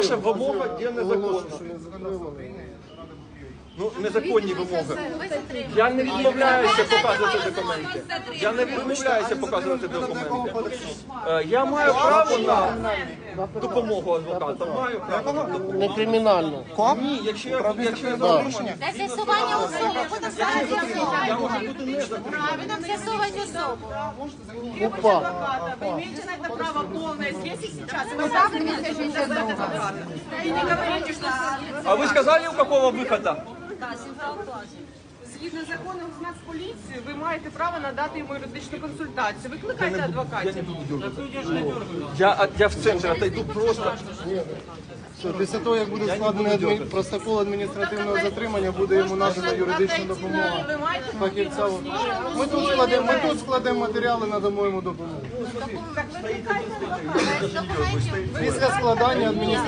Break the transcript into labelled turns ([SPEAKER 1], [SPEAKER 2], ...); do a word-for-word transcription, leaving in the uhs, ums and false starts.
[SPEAKER 1] Перша вимога є незаконна. Ну, незаконні вимоги. Я не відмовляюся показувати документи. Я не відмовляюся показувати документи. Е, Я маю право на допомогу адвоката. Маю право на допомогу.
[SPEAKER 2] Не кримінально.
[SPEAKER 1] Ні, якщо я якщо я порушення,
[SPEAKER 3] Для з'ясування особи, буде зараз з'ясувати.
[SPEAKER 1] я можу бути незаконним.
[SPEAKER 3] Правильно, з'ясувати особу.
[SPEAKER 2] Опа.
[SPEAKER 4] Вы имеете на это право полное здесь и сейчас. Вы сами не хотите назвать адвоката. И не говорите, что...
[SPEAKER 1] А ви сказали, у якого виходу?
[SPEAKER 4] Згідно закону з Нацполіції, ви маєте право надати йому юридичну консультацію. Викликайте адвокатів.
[SPEAKER 1] Я, я в центрі отойду просто.
[SPEAKER 2] Що, після того, як буде складений адмі... протокол адміністративного затримання, буде йому надана юридична допомога.
[SPEAKER 4] Ви маєте
[SPEAKER 2] Фахівця. Ми тут складемо, ми тут складемо матеріали, надамо йому допомогу.
[SPEAKER 3] Документів.
[SPEAKER 2] Після складання адміністративного